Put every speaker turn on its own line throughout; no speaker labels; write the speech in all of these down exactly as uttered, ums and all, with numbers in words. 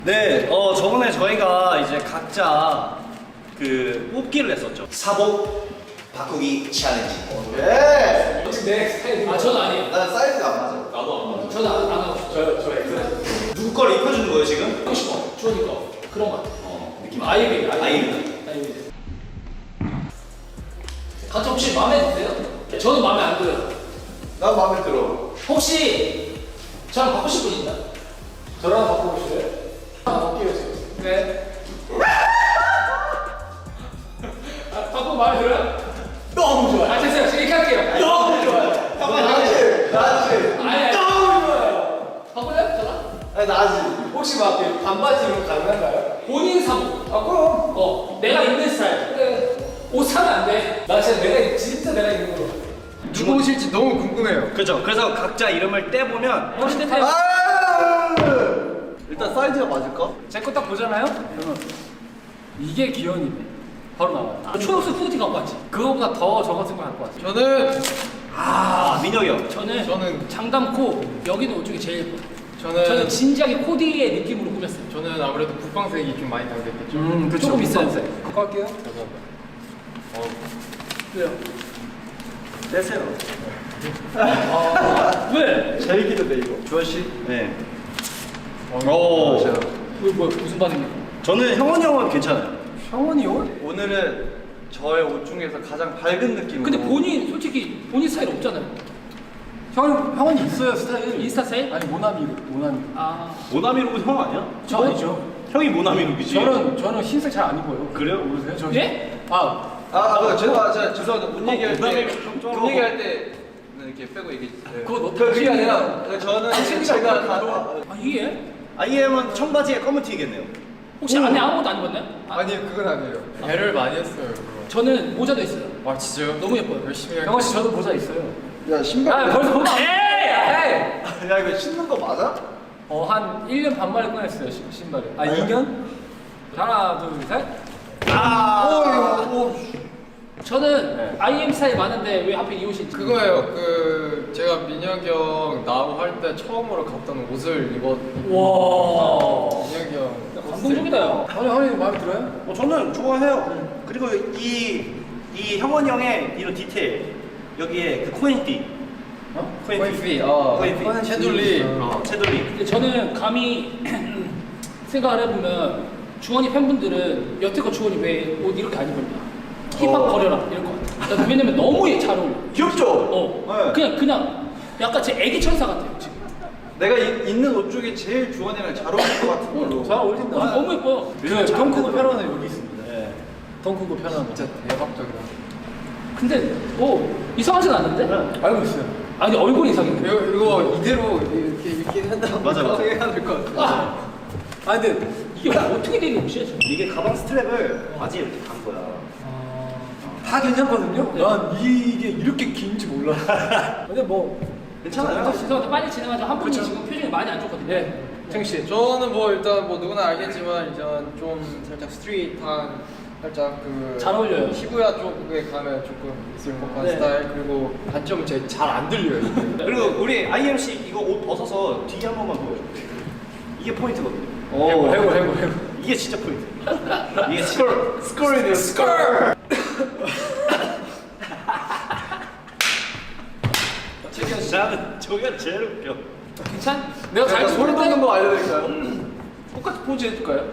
네, 어 저번에 저희가 이제 각자 그 뽑기를 했었죠.
사복 바꾸기 챌린지.
예!
혹시 내 스타일이 아 저는 아니에요.
난 사이즈가 안 맞아.
나도 안 맞아. 저는 안, 안 하고 싶어요. 저, 저 엑스.
누구 걸 입혀주는 거예요 지금?
하고 싶어. 주원이 거. 그런 거 같아.
어, 느낌.
아이비.
아이비.
아이비. 각자 혹시 마음에 드세요? 저는 마음에 안 들어요.
난 마음에 들어.
혹시 저랑 바꾸실 분 있나?
저랑 바꿔보실래요? 아, 바뀌어요.
네. 아, 바꾸면 마음에 들어요?
너무 좋아요.
아, 됐어요. 지금 이렇게 할게요.
너무 좋아요.
잠깐만,
나지? 나지?
아니, 아니.
너무 좋아요.
바꿀래요? 저랑?
아니, 나지. 혹시 막 이렇게 반바지로 가능한가요?
본인 사복.
아, 그럼.
어, 내가 입는 스타일. 그래. 옷 사면 안 돼. 나 진짜 내가, 진짜 내가 입는 걸로.
누구 오실지 너무 궁금해요.
그죠. 그래서 각자 이름을 떼보면
멋있는 타입.
아! 일단 사이즈가 맞을까?
제 거 딱 보잖아요? 그러면 이게 기현이네. 바로 나와요. 아, 초록색 후드티 갖고 왔지. 그거보다 더 저 같은 거 갖고 왔지.
저는
아 민혁이 형.
저는,
저는-
장담코 여기는 옷 중에 제일 예뻐요.
저는
저는 진지하게 코디의 느낌으로 꾸몄어요.
저는 아무래도 국방색이 좀 많이 담겼겠죠.
음, 그쵸. 조금 있어요.
그거 할게요. 감사합니다. 어,
왜요?
떼세요.
아, 왜?
제일 기대돼 이거.
주원 씨. 네.
오.
오.
왜, 뭐, 무슨 반응이야?
저는 형원이 형은 괜찮아요.
형원이 옷?
오늘은 저의 옷 중에서 가장 밝은 느낌으로.
근데 본인, 솔직히 본인 스타일 없잖아요.
형, 형은 있어요 스타일.
인스타 스타일?
아니 모나미 모나미.
아,
모나미룩은 형 아니야?
저 아니죠.
형이 모나미룩이지.
저는 저는 흰색 잘 안 입어요.
그래요?
모르세요? 저
예?
아
아, 아, 제가 제가 죄송합니다. 옷
어,
얘기할
그다음에
때,
좀
옷 얘기할 때 이렇게 빼고 얘기.
그거 너
그 그게 아니라
당신이야.
저는
당신이가
제가
그거
가-
아, 이게?
아이엠은 청바지에 검은 티겠네요.
혹시 안에 아무것도 안 입었나요? 아,
아니 그건 아니에요. 배를 많이 했어요. 그거.
저는 모자도 있어요.
아 진짜요?
너무 예뻐요.
열심히 할게요.
병원 씨 저도 모자 있어요.
야 신발.
아, 벌써 보면 에이! 에이!
야 이거 신는 거 맞아?
어, 한 일 년 반 만에 꺼냈어요, 신- 신발을.
아 이 년?
하나, 둘, 셋.
아.
오, 오.
저는
네.
아이엠 스타일 많은데 왜 하필 이 옷이 있지?
그거예요. 그 제가 민혁이 형 나오고 할 때 처음으로 갔던 옷을 입었.
와.
민혁이 형.
감동적이다, 야.
아니 형이 마음에 들어요?
어, 저는 좋아해요. 그리고 이, 이 형원이 형의 이런 디테일. 여기에 그 코인띠.
어?
코인피. 어.
코인피.
채둘리.
어, 채돌리.
근데 저는 감히 생각을 해보면 주원이 팬분들은 여태껏 주원이 왜 옷 이렇게 안 입었냐? 힙합
어.
버려라 이럴 것 같아. 나 왜냐면 너무 잘 어울려.
귀엽죠?
어.
네.
그냥 그냥 약간 제 애기 천사 같아요 지금.
내가 이, 있는 옷 중에 제일 주원이랑 잘 어울릴 것 같은 걸로.
잘 어울린다.
어, 너무 예뻐요.
그덩 크고 편안한 여기 있습니다.
네.
덩 크고 편안한 거.
진짜 대박적이다.
근데 뭐 이상하진 않는데?
알고 있어요.
아니 얼굴이 이상해.
이거 이거 이대로 이렇게 입긴 한다고
맞아, 맞아.
해야 될 것 같아.
아,
아 근데
이게 어떻게 된 옷이야 지금?
이게 가방 스트랩을 바지에 이렇게 간 거야.
다 괜찮거든요.
네.
난 이게 이렇게 긴지 몰랐어. 근데 뭐
괜찮아요.
죄송한데 빨리 진행하죠. 한 분이 지금 표정이 많이 안 좋거든요.
네. 청 씨.
저는 뭐 일단 뭐 누구나 알겠지만 일단 좀 살짝 스트릿한 살짝 그
잘 어울려요.
시부야 쪽에 가면 조금 있을 법한
네.
스타일 그리고 단점은 제가 잘 안 들려요. 이게.
그리고 우리 아이엠씨 이거 옷 벗어서 뒤에 한 번만 보여줘. 이게 포인트거든요.
해고 해고 해고 해고.
이게 진짜 포인트. 이게 진짜.
스컬이네요. 스컬.
나는 저게 제일 웃겨.
괜찮? 내가 잘
제가 소리
쳤는데?
돋는 거 알려드릴까요?
똑같이 포즈 해줄까요?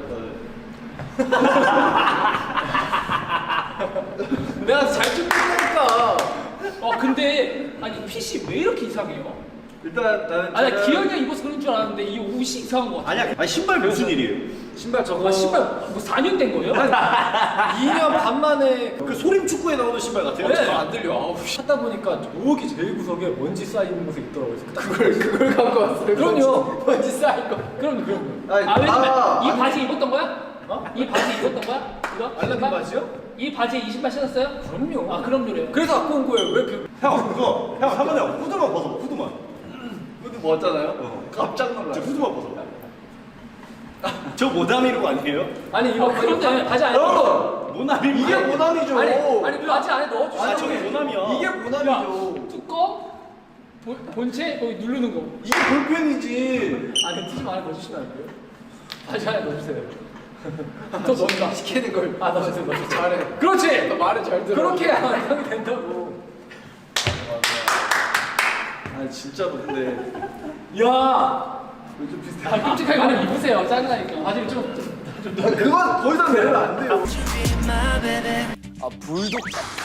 내가 잘 쳤다니까. 어 근데 아니 핏이 왜 이렇게 이상해요?
일단 나는
아니
저는
기현이 형 입어서 그런 줄 알았는데 이 옷이 이상한 거 같아.
아니야. 아니 신발 무슨 일이에요?
신발 저거.
아 신발 뭐 사 년 된 거예요?
이 년 반 만에
그 소림 축구에 나오는 신발 같아요.
네.
안 들려. 아우 하다 보니까 저기 제일 구석에 먼지 쌓이는 곳에 있더라고요.
그걸 그걸 갖고 왔어요.
그럼요. 먼지 쌓인 거.
그럼 그럼.
아니,
아 왜냐면
아,
이
아니.
바지 입었던 거야? 어? 이 바지 입었던 거야? 이거?
알라딘
신발?
바지요?
이 바지에 이 신발 신었어요?
그럼요.
아 그럼요래요.
그래서 갖고 온 거예요. 왜 그?
형 그거 형 한번에 후드만 벗어. 후드만.
후드 멋잖아요.
어.
깜짝 놀라.
저 후드만 벗어. 저 모나미룩 아니에요?
아니 이거
아 그런데 바지 안에
형!
넣어.
모나미룩.
이게 모남이죠.
아니 아니 바지 안에 넣어주시.
아 저게 모나미야.
이게 모남이죠.
뚜껑 본- 본체 거기 누르는 거.
이게 볼펜이지.
아니 티좀 안에 넣어주시면 안 돼요? 아, 잘 넣어주세요. 더 넣는다.
시키는 걸.
아, 넣어주세요, 넣어주세요.
잘해.
그렇지!
너 말을 잘 들어.
그렇게 하면 형이 된다고.
아 진짜로 근데
야!
좀 비슷해.
아, 끔찍하게 하나 입으세요. 짜증나니까. 바지를 좀. 좀, 좀
그건 더 이상 내면 안 돼요.
아 불독.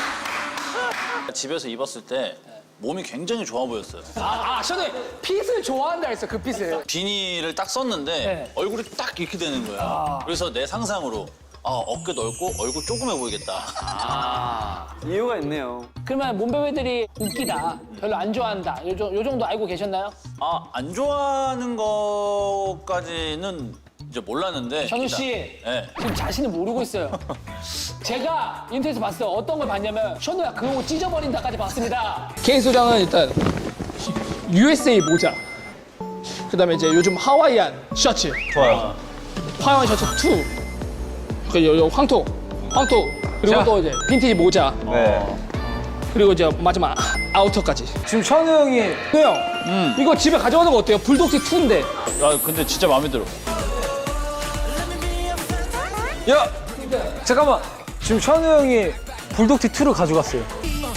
집에서 입었을 때 몸이 굉장히 좋아 보였어요.
아, 아, 저는 핏을 좋아한다 했어, 그 핏을.
비닐을 딱 썼는데
네.
얼굴이 딱 이렇게 되는 거야. 그래서 내 상상으로 아, 어깨 넓고 얼굴 조그매 보이겠다.
이유가 있네요.
그러면 몸베베들이 웃기다, 별로 안 좋아한다. 요, 정- 요 정도 알고 계셨나요?
아, 안 좋아하는 거까지는 이제 몰랐는데.
현우
일단-
씨,
네.
지금 자신을 모르고 있어요. 제가 인터넷에서 봤어요. 어떤 걸 봤냐면 현우야 그 옷 찢어버린다까지 봤습니다. 개인 소장은 일단 유에스에이 모자, 그다음에 이제 요즘 하와이안 셔츠. 좋아요. 하와이안 셔츠 투. 그 요, 요 황토, 황토. 그리고 또 이제 빈티지 모자.
네.
그리고 이제 마지막 아우터까지.
지금 천우 형이
형, 이거 집에 가져가는 거 어때요? 불독티 투인데.
야, 근데 진짜 마음에 들어.
야 잠깐만 지금 천우 형이 불독티 투를 가져갔어요.